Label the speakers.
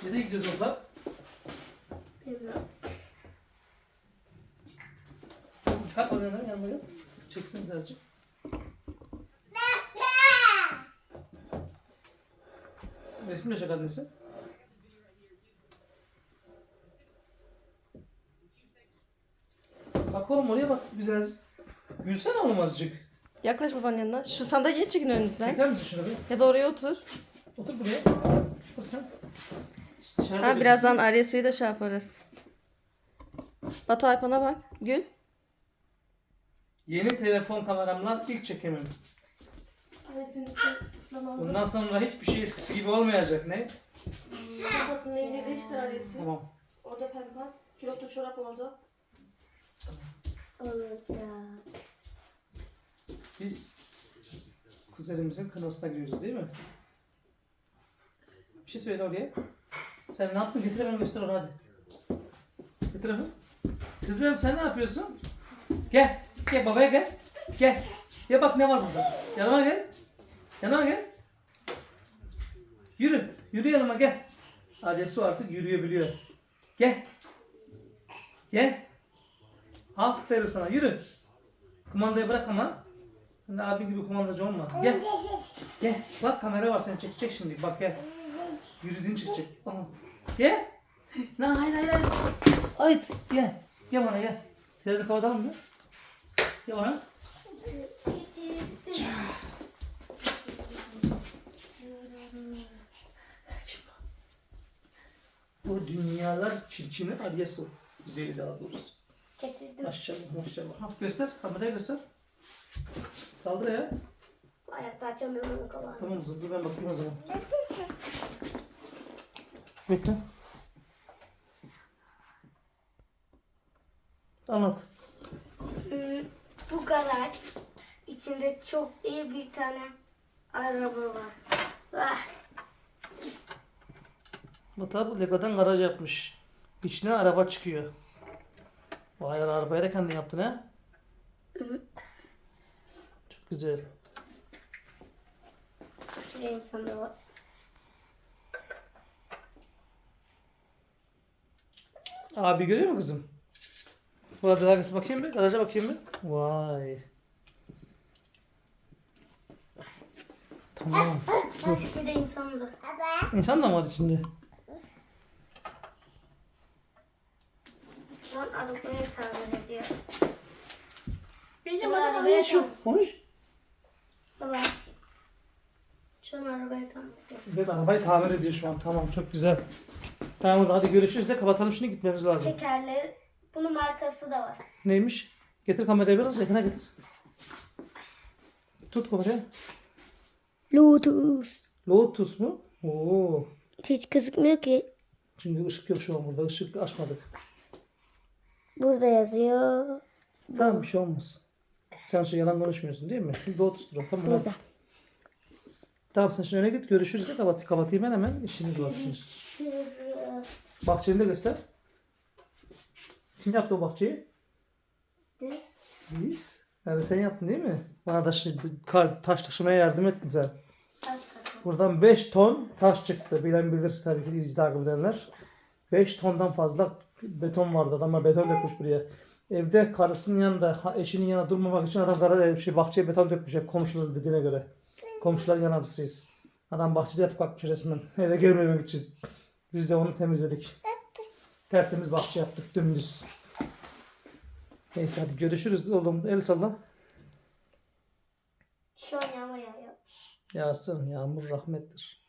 Speaker 1: Nereye gidiyoruz abla?
Speaker 2: Bilmiyorum.
Speaker 1: Kalk oradan yanıma gel. Çeksiniz azıcık. Resim yaşak annesi. Bak oğlum oraya bak güzel. Gülsene oğlum azıcık.
Speaker 3: Yaklaş babanın yanına. Şu sandalyeye çekin önünüzden.
Speaker 1: Çeker misin şunu bir?
Speaker 3: Ya da oraya otur.
Speaker 1: Otur buraya. Otur sen. İşte dışarıda
Speaker 3: Ha, birazdan
Speaker 1: bekliyorsun.
Speaker 3: Arya suyu da şey yaparız. Batu Alpan'a bak. Gül.
Speaker 1: Yeni telefon kameramla ilk çekimim. Bundan sonra hiçbir şey eskisi gibi olmayacak. Ne?
Speaker 3: Kafasının rengi değiştir Arya suyu.
Speaker 1: Tamam.
Speaker 3: Orada pembe. Külotlu çorap orada.
Speaker 2: Olacak.
Speaker 1: Biz kuzenimizin kınasına giriyoruz değil mi? Bir şey söyle oraya. Sen ne yaptın? Getir hemen göster onu hadi. Getir hemen. Kızım sen ne yapıyorsun? Gel. Gel babaya gel. Gel. Ya bak ne var burada. Yanıma gel. Yanıma gel. Yürü. Yürü yanıma gel. Adresi artık yürüyebiliyor. Gel. Gel. Aferin sana. Yürü. Kumandayı bırak ama. Sen de abin gibi kumandacı olma. Gel. Gel. Bak kamera var seni çekecek şimdi. Bak gel. Yürüdüğün çıkacak. Aha. Gel. Lan hayır hayır hayır. Hayt. Gel. Gel bana gel. Televizyonu kapatalım mı? Gel bana. Bu dünyalar çirkini Aryası. Güzeli daha doğrusu.
Speaker 2: Getirdim.
Speaker 1: Maşallah maşallah. Ha, göster. Kameraya göster. Saldır ya.
Speaker 2: Ayakta açamıyorum kalan.
Speaker 1: Tamam o zaman. Dur ben bakayım o zaman. Bekle. Anlat.
Speaker 2: Bu garaj içinde çok iyi bir tane araba var. Vah.
Speaker 1: Bu tabi Lego'dan garaj yapmış. İçine araba çıkıyor. Vay arabayı da kendin yaptın ha? Çok güzel.
Speaker 2: Bir insan da var.
Speaker 1: Abi görüyor mu kızım? Burada arkası bakayım bir. Garaja bakayım bir. Vay. Tamam. Dur.
Speaker 2: Bir de insan da.
Speaker 1: İnsan da mı var içinde?
Speaker 2: Şu an arabayı tamir ediyor.
Speaker 3: Beyciğim
Speaker 2: Bu
Speaker 3: hadi
Speaker 2: arabaya
Speaker 3: bana şu.
Speaker 1: Konuş.
Speaker 2: Baba. Şu an arabayı tamir ediyor.
Speaker 1: Evet arabayı tamir ediyor şu an. Tamam çok güzel. Tamam o zaman hadi görüşürüz de kapatalım şimdi gitmemiz lazım.
Speaker 2: Tekerleri. Bunun markası da var.
Speaker 1: Neymiş? Getir kamerayı biraz yakına getir. Tut kamerayı.
Speaker 2: Lotus.
Speaker 1: Lotus mu? Oo.
Speaker 2: Hiç gözükmüyor ki.
Speaker 1: Çünkü ışık yok şu an burada. Işık açmadık.
Speaker 2: Burada yazıyor.
Speaker 1: Tamam bir şey olmaz. Sen şu yalan konuşmuyorsun değil mi? Lotus dur. Tamam.
Speaker 2: Burada.
Speaker 1: Tamam sen şimdi öne git. Görüşürüz de kapatayım ben hemen. İşiniz var şimdi. Bahçeni de göster. Kim yaptı o bahçeyi? Biz. Yani sen yaptın değil mi? Bana da taş taşımaya yardım ettin sen. Buradan 5 ton taş çıktı. Bilen bilir tabii ki izle takip edenler. 5 tondan fazla beton vardı. Adamlar beton dökmüş buraya. Evde karısının yanında, eşinin yanında durmamak için adam bahçeye beton dökmüş. Hep komşuların dediğine göre. Komşuların yanarısıyız. Adam bahçede yatıp kalkmış resmen. Eve girmemek için. Biz de onu temizledik. Tertemiz bahçe yaptık dümdüz. Neyse hadi görüşürüz oğlum. El salla.
Speaker 2: Şu an yağmur yağıyor.
Speaker 1: Yağsın. Yağmur rahmettir.